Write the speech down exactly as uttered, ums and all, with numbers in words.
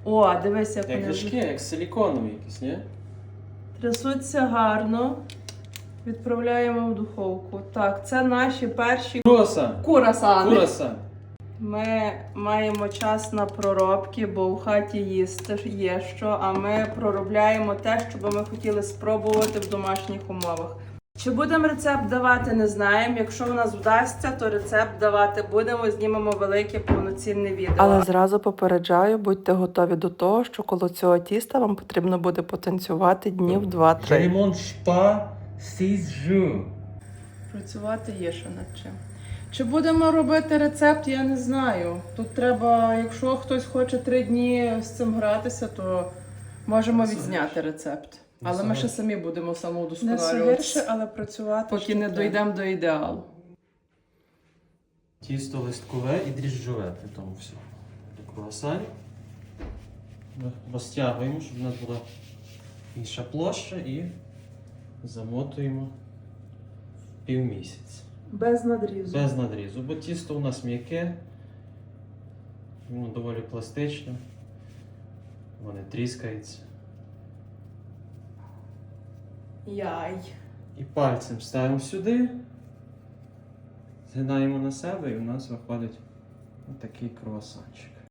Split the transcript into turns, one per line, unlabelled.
О, дивись, як
Як
вони
ліжки, як силіконові якісь, ні?
трясуться гарно. Відправляємо в духовку. Так, це наші перші
Круасан!
курасани.
Курасан!
Ми маємо час на проробки, бо в хаті їсти є що, а ми проробляємо те, що би ми хотіли спробувати в домашніх умовах. Чи будемо рецепт давати, не знаємо. Якщо в нас вдасться, то рецепт давати будемо, знімемо велике повноцінне відео.
Але зразу попереджаю, будьте готові до того, що коло цього тіста вам потрібно буде потанцювати днів два-три.
Je ne mange pas six jours.
Працювати є що над чим. Чи будемо робити рецепт, я не знаю. Тут треба, якщо хтось хоче три дні з цим гратися, то можемо відзняти рецепт. Але ми ще самі будемо
Не все
самоудосконалюватися,
гірше, але працювати.
поки
ще
не
треба.
дійдемо до ідеалу.
Тісто листкове і дріжджове при тому всьому. До круасанів. Ми розтягуємо, щоб у нас була інша площа і замотуємо в півмісяць.
Без надрізу.
Без надрізу, бо тісто у нас м'яке, воно доволі пластичне, воно не тріскається.
Яй.
І пальцем ставимо сюди, згинаємо на себе і у нас виходить отакий круасанчик.